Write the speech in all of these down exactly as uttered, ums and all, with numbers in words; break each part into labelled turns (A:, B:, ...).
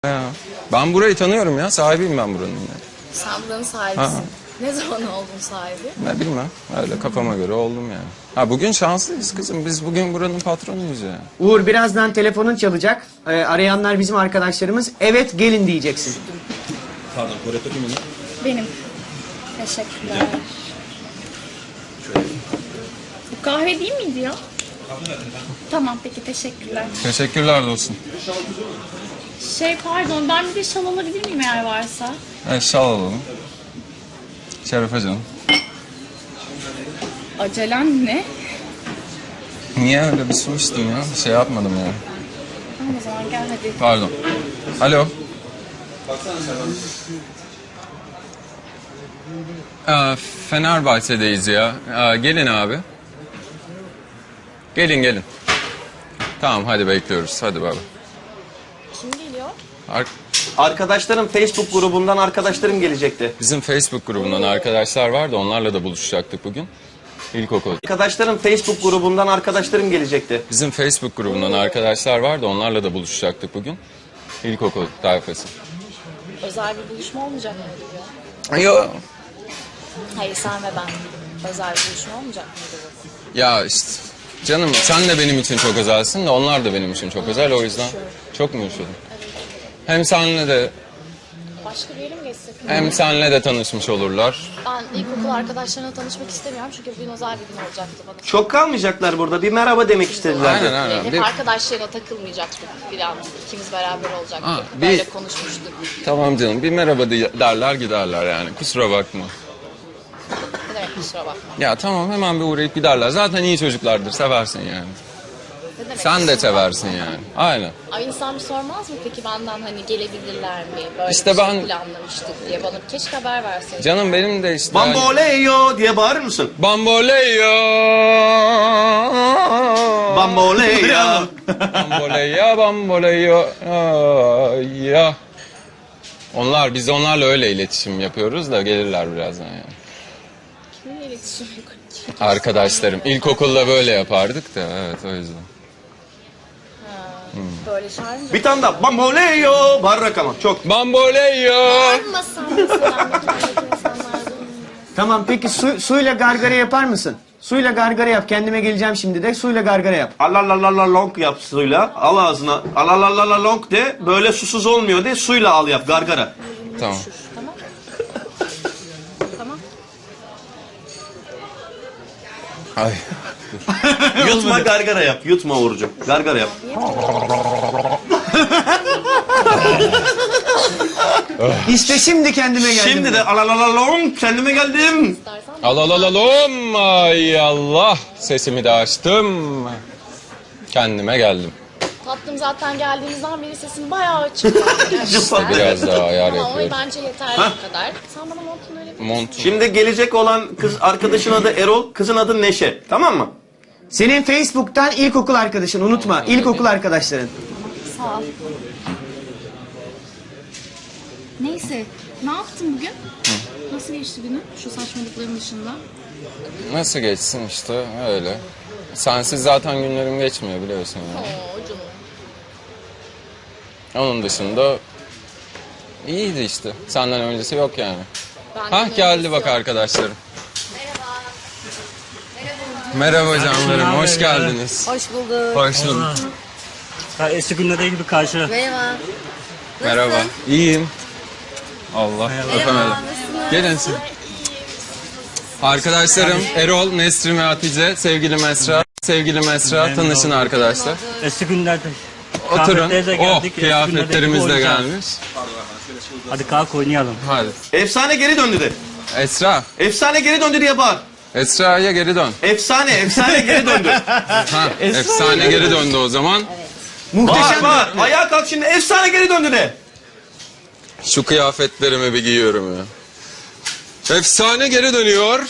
A: Ya, ben burayı tanıyorum ya. Sahibiyim ben buranın ya.
B: Sen buranın sahibisin.
A: Ha.
B: Ne zaman oldun sahibi?
A: Ne bilmem. Öyle kafama göre oldum yani. Ha bugün şanslıyız kızım. Biz bugün buranın patronuyuz ya.
C: Uğur birazdan telefonun çalacak. Ee, arayanlar bizim arkadaşlarımız. Evet gelin diyeceksin.
D: Pardon, Koreto kimin?
B: Benim. Teşekkürler. Bu kahve değil miydi ya? Tamam peki teşekkürler.
A: Teşekkürler dostum.
B: Şey pardon ben bir de şal alabilir miyim eğer varsa?
A: Evet şal alalım. Şerefe canım.
B: Acelen ne?
A: Niye öyle bir su içtim ya? Bir şey yapmadım ya.
B: Tamam o zaman gel hadi.
A: Pardon. Alo. Ee, Fenerbahçe'deyiz ya. Ee, gelin abi. Gelin gelin. Tamam hadi bekliyoruz. Hadi baba.
B: Kim geliyor?
A: Ar-
E: Arkadaşlarım Facebook grubundan arkadaşlarım gelecekti.
A: Bizim Facebook grubundan arkadaşlar var da onlarla da buluşacaktık bugün. İlkokul.
E: Arkadaşlarım Facebook grubundan arkadaşlarım gelecekti.
A: Bizim Facebook grubundan arkadaşlar var da onlarla da buluşacaktık bugün. İlkokul tayfası.
B: Özel bir buluşma olmayacak mıydı bu?
A: Yok.
B: Hayır sen ve ben. Özel bir buluşma olmayacak mıydı bu?
A: Ya işte canım sen de benim için çok özelsin de onlar da benim için çok özel o yüzden. Çok mu üşüdün? Hem senle de
B: Başka bir yere mi geçsek?
A: hem senle de tanışmış olurlar.
B: Ben ilkokul arkadaşlarına tanışmak istemiyorum çünkü bugün özel bir gün olacaktı bana.
E: Çok kalmayacaklar burada. Bir merhaba demek istediler.
A: Aynen aynen.
B: Hep
A: Bir,
B: arkadaşlarına takılmayacaktık filan. İkimiz beraber olacaktık.
A: Ha, bir-
B: Böyle konuşmuştuk.
A: tamam canım bir merhaba de- derler giderler yani kusura bakma.
B: Ne demek kusura bakma.
A: Ya tamam hemen bir uğrayıp giderler. Zaten iyi çocuklardır seversin yani.
B: Ne demek
A: Sen de
B: kusura
A: seversin yani. Aynen.
B: Ay insan bir sormaz mı peki benden hani gelebilirler mi? Böyle
A: İşte
B: bir şey
A: ben-
B: planlamıştık diye bana keşke haber verseydin.
A: Canım benim de işte... hani-
E: Bamboleyo diye bağırır mısın?
A: Bamboleyo.
E: Bamboleyo.
A: Bamboleya bamboleyo. Ay, ya. Onlar biz onlarla öyle iletişim yapıyoruz da gelirler birazdan yani.
B: Kiminle iletişim yok?
A: Arkadaşlarım ilkokulda böyle yapardık da evet o yüzden.
B: Böyle çağırınca.
E: Bir tane daha. Bamboleyo. Bağırarak ama çok.
A: Bamboleyo.
B: Bağırmasam mesela mekandaki insanlardan.
C: Tamam peki su, suyla gargara yapar mısın? Suyla gargara yap. Kendime geleceğim şimdi de. Suyla gargara yap.
E: Alalalala long yap suyla. Al ağzına. Alalalala long de. Böyle susuz olmuyor de. Suyla al yap. Gargara.
A: Tamam.
B: Tamam. Tamam.
A: Ay.
E: Yutma gargara yap. Yutma Uğurcuğum. Gargara yap.
C: İşte şimdi kendime geldim.
E: Şimdi de alalalala long. Kendime geldim.
B: İstersen
A: Alalalom. Ay Allah. Sesimi de açtım. Kendime geldim.
B: tatlım zaten geldiğimizden beri sesin bayağı açık. Gerçekten.
A: Biraz daha ayar
B: Ama o
A: yapıyorum.
B: bence yeterli bu kadar. Sen bana montunu öyle bir...
A: Mont.
E: Şimdi gelecek olan kız arkadaşın adı Erol. Kızın adı Neşe. Tamam mı?
C: Senin Facebook'tan ilkokul arkadaşın unutma. İlkokul arkadaşların.
B: Sağ ol. Neyse, ne yaptın bugün? Nasıl geçti günün şu saçmalıkların dışında?
A: Nasıl geçsin işte öyle. Sensiz zaten günlerim geçmiyor biliyorsun yani.
B: Oo canım.
A: Onun dışında iyiydi işte. Senden öncesi yok yani.
B: Benden
A: Hah geldi
B: öncesi
A: bak
B: yok.
A: arkadaşlarım. Merhaba canlarım, hoş geldiniz.
B: Hoş bulduk.
A: Hoş bulduk.
F: Ya eski günlerde gibi karşı.
B: Merhaba.
A: Merhaba. İyiyim. Allah öpemedim. Gelin siz. Arkadaşlarım Erol, Nesrin ve Hatice, sevgili Mesra. Sevgili Mesra,
F: Memnun
A: tanışın
F: oldum.
A: arkadaşlar.
F: Eski günlerde.
A: Oturun.
F: Kıyafetleri de
A: Oh,
F: geldik, eski
A: kıyafetlerimiz de
F: günlerdeki gibi
A: gelmiş.
F: Hadi kalk oynayalım.
A: Hadi.
E: Efsane geri döndü de.
A: Esra,
E: Efsane geri döndü diye bağır.
A: Esra'ya geri dön.
E: Efsane, efsane geri döndü.
A: Ha, efsane geri döndü o zaman.
E: Bağır,
C: Muhteşem.
E: bağır. Ayağa kalk şimdi. Efsane geri döndü de.
A: Şu kıyafetlerimi bir giyiyorum ya. Efsane geri dönüyor.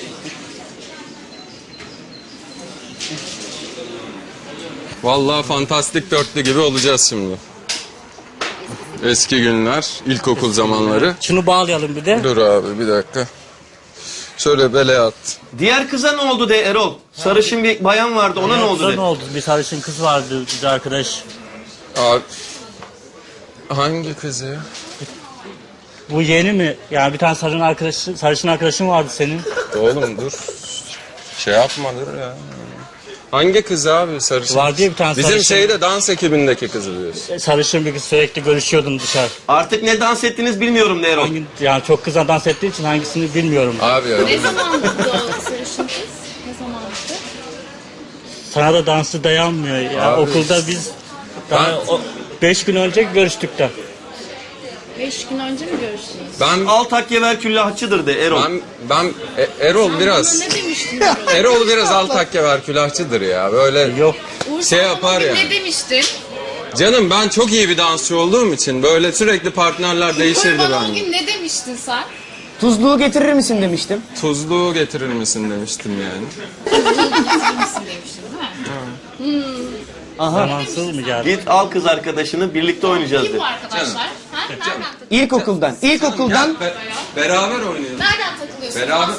A: Vallahi fantastik dörtlü gibi olacağız şimdi. Eski günler, ilkokul zamanları.
F: Şunu bağlayalım bir de.
A: Dur abi bir dakika. Şöyle bele at.
E: Diğer kıza ne oldu de Erol? Sarışın bir bayan vardı. Ona ne oldu
F: Yoksa
E: de?
F: ne oldu? Bir sarışın kız vardı, bir arkadaş.
A: Abi, Hangi kızı ya?
F: Bu yeni mi? Yani bir tane sarışın arkadaşı, sarışın arkadaşın vardı senin.
A: Oğlum dur. Şey yapma dur ya. Hangi kız abi sarışın?
F: Var diye bir tane
A: Bizim
F: sarışın.
A: şeyde dans ekibindeki kızı diyorsun.
F: Sarışın bir kız, sürekli görüşüyordum dışarı.
E: Artık ne dans ettiniz bilmiyorum de Erol.
F: Hangi, yani çok kızla dans ettiği için hangisini bilmiyorum.
A: Abi ya.
B: Ne zamandı o sarışın kız? Ne zamandı?
F: Sana da dansı dayanmıyor ya.
A: Abi.
F: Okulda biz daha
A: Ben-
F: o, beş gün önce görüştük de.
B: Beş gün önce mi görüştünüz?
A: Ben
E: Altakyever küllahçıdır de Erol.
A: ben ben E- Erol
B: Sen
A: biraz
B: bana ne demiştin Erol?
A: Erol biraz altakkever külahçıdır ya. Böyle
F: Yok.
B: Uğur,
A: şey
B: sen
A: yapar
B: bana
A: ya.
B: Ne demiştin?
A: Canım ben çok iyi bir dansçı olduğum için böyle sürekli partnerler değişirdi
B: Uğur, bana o
A: bende.
B: gün ne demiştin sen?
C: Tuzluğu getirir misin demiştim.
A: Tuzluğu getirir misin demiştim yani.
B: Getirir misin demiştin değil mi?
F: Zamansız mı geldi?
E: Git al kız arkadaşını birlikte oynayacağız
B: Kim
E: de.
B: bu arkadaşlar? Ha? Nereden takılıyorsun?
C: İlkokuldan. İlkokuldan
A: Gel, be- beraber oynayalım.
B: Nereden takılıyorsun?
A: Beraber.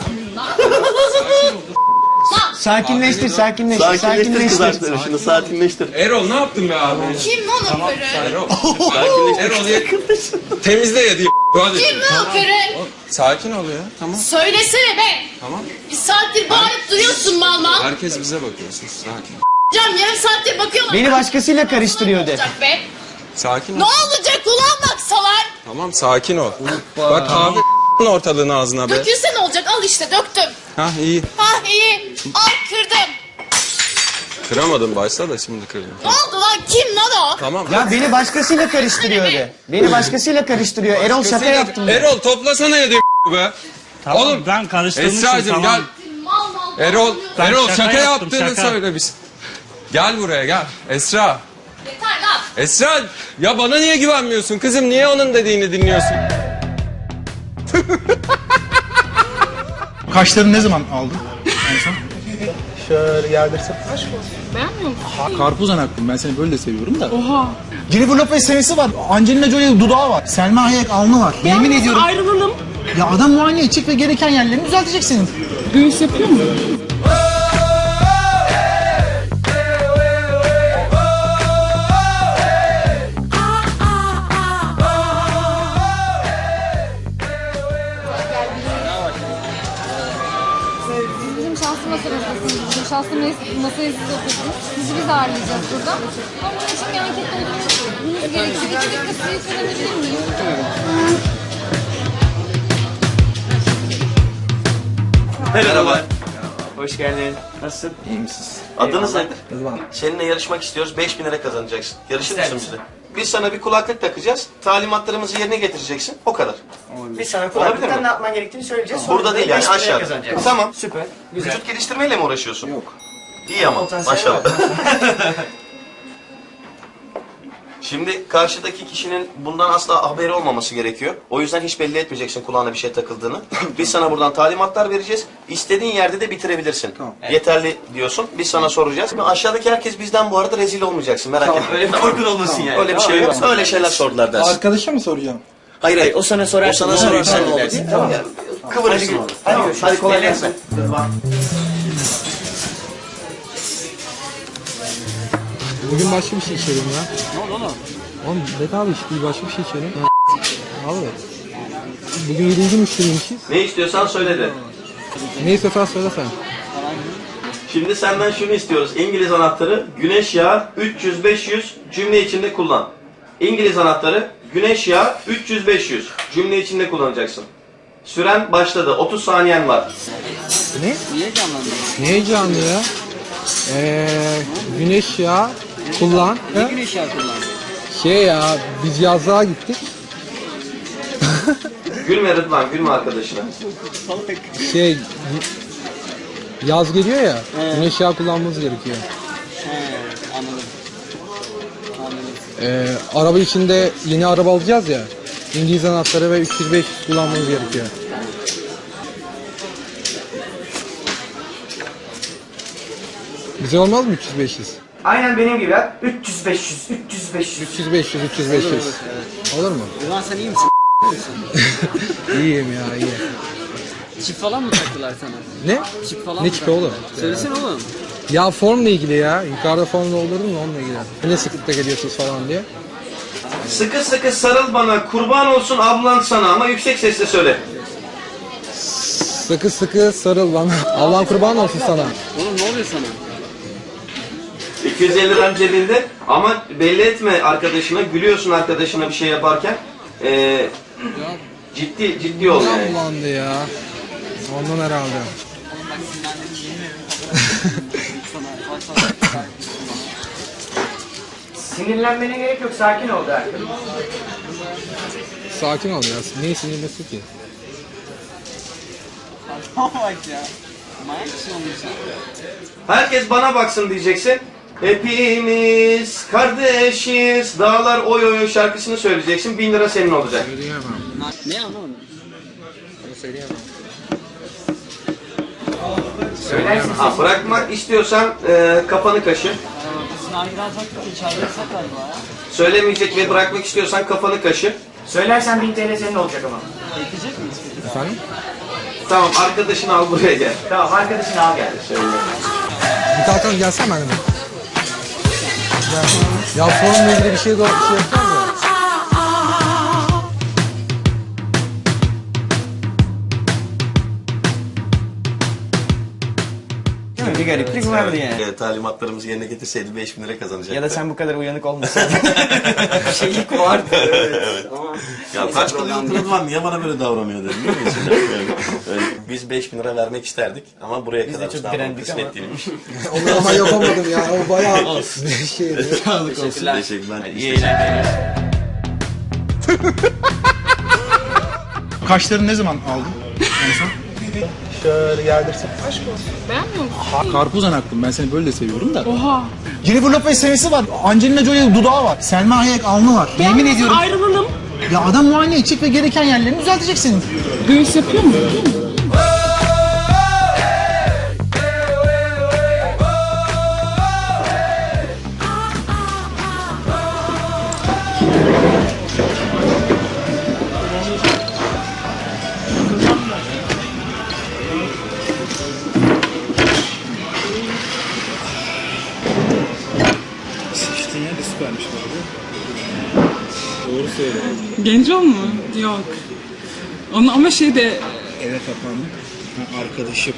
B: Lan
C: sakinleştir, sakinleştir,
E: Sakinleştir kız
C: sakinleştir.
E: arkadaşını sakinleştir.
A: Erol ne yaptın be abi?
B: kim lan o karı?
A: Erol. Erol ye. Temizle yedi. Hadi.
B: Kim lan o karı?
A: Sakin ol ya. Tamam.
B: Söylesene be.
A: Tamam.
B: Bir saattir bağırıp duruyorsun mal mal.
A: Herkes bize bakıyor. Sus. Sakin.
B: Can yarım saattir bakıyorlar.
C: Beni başkasıyla karıştırıyor
B: Ne
C: de.
B: olacak be?
A: Sakin
B: Ne
A: ol.
B: olacak ulan baksalar?
A: Tamam sakin ol. Bak abi ortalığını ağzına be.
B: Dökülse ne olacak? Al işte döktüm.
A: Ha iyi.
B: Ha iyi. Al kırdım.
A: Kıramadım başta da şimdi kırdım.
B: Ne oldu lan? Kim lan o?
A: Tamam.
C: Ya beni başkasıyla karıştırıyor de. Beni başkasıyla karıştırıyor. Erol şaka yaptım de.
A: Erol toplasana yedi be.
F: Tamam,
A: Oğlum
F: ben karıştırmışım,
A: Esra'cığım
F: tamam.
A: gel.
B: Mal mal.
A: Erol,
F: Ben
A: Erol
F: şaka
A: şaka,
F: yaptım,
A: yaptığını
F: şaka.
A: söyle biz. Gel buraya gel. Esra.
B: Yeter lan.
A: Esra ya bana niye güvenmiyorsun kızım? Niye onun dediğini dinliyorsun?
G: Kaşlarını ne zaman aldın en son? Şöyle yerdirsen.
B: Beğenmiyor musun?
G: Karpuz anaklım, ben seni böyle de seviyorum da. Oha. Jennifer Lopez senesi var. Angelina Jolie dudağı var. Selma Hayek alnı var. Yemin ediyorum.
H: Ayrılalım.
G: Ya adam muayene edecek ve gereken yerlerini düzeltecek senin.
H: Göğüs yapıyor mu?
I: Bizim şanslı masamızdasınız. Bizim şanslı mes- masaya siz oturdunuz. Sizi biz ağırlayacağız burada. Ama bunun için bir anket doldurmanız gerekiyor. İki dakika size söylenebilir miyim?
E: Merhaba.
C: Hoş geldin. Nasılsın?
G: İyi misin?
E: Adınız nedir?
G: Rıdvan.
E: Seninle yarışmak istiyoruz. beş bin lira kazanacaksın. Yarışır mısın bizle? Biz sana bir kulaklık takacağız. Talimatlarımızı yerine getireceksin. O kadar.
C: Biz sana
E: Olabilir
C: kulaklıktan
E: mi?
C: ne yapman gerektiğini söyleyeceğiz. Sonra
E: Burada
C: da
E: değil yani
C: beş bin lira
E: aşağıda.
C: kazanacaksın.
E: Tamam.
C: Süper. Güzel.
E: Vücut geliştirmeyle mi uğraşıyorsun?
G: Yok.
E: İyi ama
C: Potansiyel
E: maşallah.
C: var.
E: Şimdi karşıdaki kişinin bundan asla haberi olmaması gerekiyor. O yüzden hiç belli etmeyeceksin kulağına bir şey takıldığını. Biz sana buradan talimatlar vereceğiz. İstediğin yerde de bitirebilirsin.
G: Tamam.
E: Yeterli diyorsun. Biz sana soracağız. Aşağıdaki herkes bizden bu arada rezil olmayacaksın. Merak etme.
C: Öyle bir korkun olmasın yani.
E: Öyle bir şey yok. Öyle şeyler sordular dersin.
G: Arkadaşa mı soracağım?
E: Hayır hayır.
C: O sana sorar.
E: O sana soruyor. Sen ne dersin? Tamam. Kıvırırsın.
C: Hadi,
E: Hadi,
C: hadi,
E: hadi kolay gelsin.
J: Bugün başka bir şey içelim ya. Ne oldu oğlum? Oğlum bedava iş değil, başka bir şey içelim. Abi. Bugün yedinci müşteriymişiz.
E: Ne istiyorsan söyle de.
J: Ne istiyorsan söyle sen.
E: Şimdi senden şunu istiyoruz. İngiliz anahtarı, güneş yağı üç yüz beş yüz cümle içinde kullan. İngiliz anahtarı, güneş yağı üç yüz beş yüz cümle içinde kullanacaksın. Süren başladı. otuz saniyen var.
J: Ne? Ne heyecanlı ya? Eee güneş yağı kullan. Ne güneş yağı kullan? Şey ya biz yazlığa gittik.
E: Gülme Rıdvan, gülme arkadaşına.
J: Şey yaz geliyor ya. Güneş yağı kullanmamız gerekiyor. Ee, araba içinde yeni araba alacağız ya. İngiliz anahtarı ve üç yüz beş yüz kullanmamız gerekiyor. Bize olmaz mı üç yüz beş yüz?
C: Aynen benim gibi ya. üç yüz beş yüz, üç yüz beş yüz.
J: üç yüz beş yüz, üç yüz beş yüz. Olur mu?
H: Ulan sen iyi misin?
J: İyiyim ya iyi.
H: Çip falan mı taktılar sana?
J: Ne?
H: Çip falan
J: Ne
H: mı
J: çipi
H: taktılar?
J: oğlum?
H: Söylesene oğlum.
J: Ya formla ilgili ya. Yukarıda form doldurdun mu onunla ilgili. Ne sıklıkta geliyorsunuz falan diye.
E: Sıkı sıkı sarıl bana, kurban olsun ablan sana, ama yüksek sesle söyle.
J: Sıkı sıkı sarıl bana. Allah'ın kurban olsun sana.
H: Oğlum ne oluyor sana?
E: iki yüz elli liran cebinde ama belli etme arkadaşına, gülüyorsun arkadaşına bir şey yaparken. Ee, ciddi ciddi ol
J: Midem
E: yani.
J: bulandı ya. Ondan herhalde.
H: Oğlum bak sinirlendim yemin ederim. Sana.
C: Sinirlenmene gerek yok, sakin ol der.
J: Sakin ol ya. Neyi sinirlisin ki?
H: Bak ya. Manyak mısın oğlum sen?
E: Herkes bana baksın diyeceksin. Hepimiz kardeşiz, dağlar oy oy şarkısını söyleyeceksin. Bin lira senin olacak.
J: Söyleyemem.
H: Ne anlamadım?
J: Onu söyleyemem.
C: Söylersin.
E: Ha, bırakmak istiyorsan e, kafanı kaşı.
H: Sizin arkadan saklı içeride saklar ya.
E: Söylemeyecek ve bırakmak istiyorsan kafanı kaşı.
C: Söylersen bin T L senin olacak ama.
H: Bekleyecek miyiz peki?
J: Efendim?
E: Tamam, arkadaşını al buraya gel.
C: Tamam, arkadaşını al gel.
J: Bir kalkalım gelsene benimle. Gel. Ya sorunla ilgili bir şey, doğru bir şey yapacağım ya.
C: Değil mi? Bir gariplik vardı yani.
E: Evet, talimatlarımızı yerine getirseydi beş bin lira kazanacaktı.
C: Ya da sen bu kadar uyanık olmasaydın. Şeylik vardı.
E: Evet. Ya kaç kılıyorsunuz var, niye bana böyle davranıyor dedim. Değil mi? Öyle, öyle. Biz beş bin lira vermek isterdik ama buraya
C: Biz de
E: kadar
C: çok
E: daha
C: direndik
E: kısmet
C: ama.
E: değilmiş.
J: Onu ama yapamadım ya. O bayağı şeydi.
E: Teşekkürler. Teşekkürler. İyi eğlenceler.
G: Kaşlarını ne zaman aldın? En son? Şöyle yerdirsin.
H: Aşk olsun. Beğenmiyor musun?
G: Ha, karpuz anaklım. Ben seni böyle de seviyorum da.
H: Oha.
G: Jennifer Lopez sevgisi var. Angelina Jolie dudağı var. Selma Hayek alnı var. Yemin ediyorum.
H: Ayrılalım.
G: Ya adam muayene edecek ve gereken yerlerini düzeltecek senin.
H: Göğüs yapıyor mu?
G: İşte yine de süpermiş bu arada. Doğru söylüyor.
H: Genco mu? Yok. Onun ama şey de
G: Eve kapandım. Ha, arkadaşım.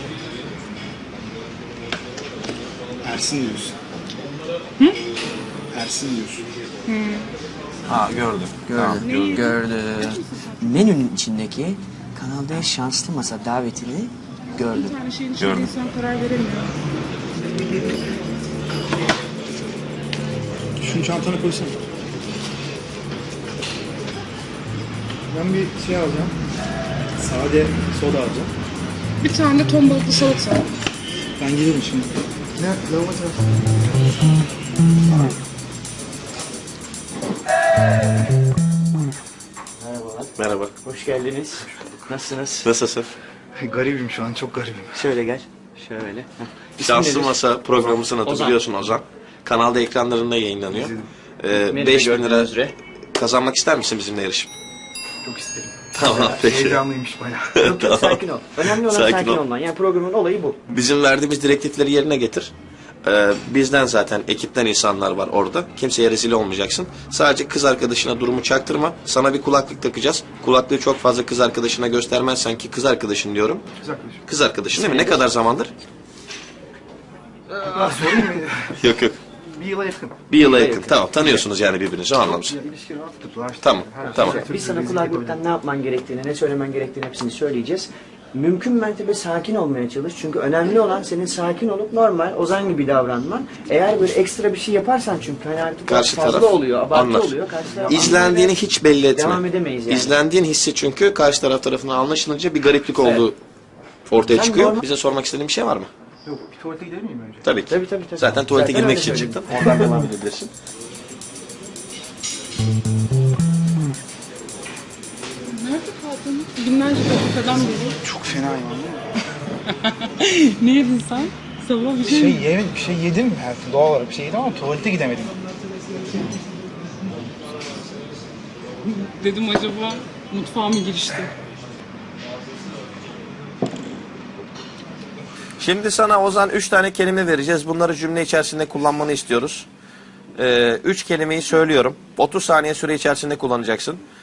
G: Ersin diyorsun. Hı? Ersin diyorsun.
C: Ha gördüm. Gördüm. Gördüm. Menünün içindeki Kanal D şanslı masa davetini gördüm.
H: her şeyin
C: içinde Gördüm.
H: insan karar veremiyor.
G: Şunu çantana koysana. Ben bir şey alacağım. Sade soda alacağım.
H: Bir tane de ton balıklı salata.
G: Ben gelirim şimdi. Ne? Lavabo tarafı.
C: Merhabalar.
E: Merhaba.
C: Hoş geldiniz. Nasılsınız?
E: Nasılsın?
G: Garibim şu an, çok garibim.
C: Şöyle gel. Şöyle. Heh. İsmin
E: Şanslı
C: nedir?
E: Masa programımızın adı,
C: Ozan.
E: biliyorsun Ozan. Kanalda ekranlarında yayınlanıyor. Ee,
C: Beni de
E: beş bin lira
C: gördüğünüz üzere.
E: kazanmak ister misin bizimle yarışıp?
G: Çok isterim.
E: Tamam, peki.
G: Heyecanlıymış bayağı.
C: Yok, yok, sakin ol. Önemli olan
E: Sakin
C: sakin,
E: ol.
C: olman. Yani programın olayı bu.
E: Bizim verdiğimiz direktifleri yerine getir. Ee, bizden zaten, ekipten insanlar var orada. Kimseye rezil olmayacaksın. Sadece kız arkadaşına durumu çaktırma. Sana bir kulaklık takacağız. Kulaklığı çok fazla kız arkadaşına göstermezsen, ki kız arkadaşın diyorum.
G: Kız arkadaşım.
E: Kız arkadaşın değil mi? Ne kadar zamandır?
G: Aa, sorayım mı?
E: Yok yok.
G: Bir yıla yakın.
E: Bir yıla yakın. Tamam, tanıyorsunuz yani birbirinizi, o anlamda.
G: İlişki rahat tuttular. işte.
E: Tamam,
G: Her
E: tamam.
G: şey.
C: Biz sana kulaklıktan ne yapman gerektiğini, ne söylemen gerektiğini hepsini söyleyeceğiz. Mümkün mertebe sakin olmaya çalış. Çünkü önemli olan senin sakin olup normal, Ozan gibi davranman. Eğer böyle ekstra bir şey yaparsan, çünkü hani artık
E: Karşı
C: fazla
E: taraf
C: oluyor, abartı
E: anlar.
C: oluyor. Karşı taraf
E: İzlendiğini
C: anlar ve
E: hiç belli etme.
C: devam edemeyiz yani.
E: İzlendiğin hissi, çünkü karşı taraf tarafından anlaşılınca bir gariplik olduğu ortaya
C: Sen
E: çıkıyor.
C: normal-
E: Bize sormak istediğin bir şey var mı?
G: Yok, bir tuvalete gider miyim önce?
E: Tabii ki.
C: Tabii, tabii, tabii.
E: Zaten tuvalete
C: Zaten
E: girmek
C: öyle
E: için
C: söyledim.
E: çıktın. Oradan devam edebilirsin.
H: Nerede kaldın? Binlerce dakikadan beri.
G: Çok fena yani.
H: Ne yedin sen? Sabah bir
G: Bir
H: şey,
G: şey yemedim, bir şey yedim. Yani doğal olarak bir şey yedim ama tuvalete gidemedim.
H: dedim acaba mutfağa mı girişti?
E: Şimdi sana Ozan üç tane kelime vereceğiz. Bunları cümle içerisinde kullanmanı istiyoruz. Ee, üç kelimeyi söylüyorum. otuz saniye süre içerisinde kullanacaksın.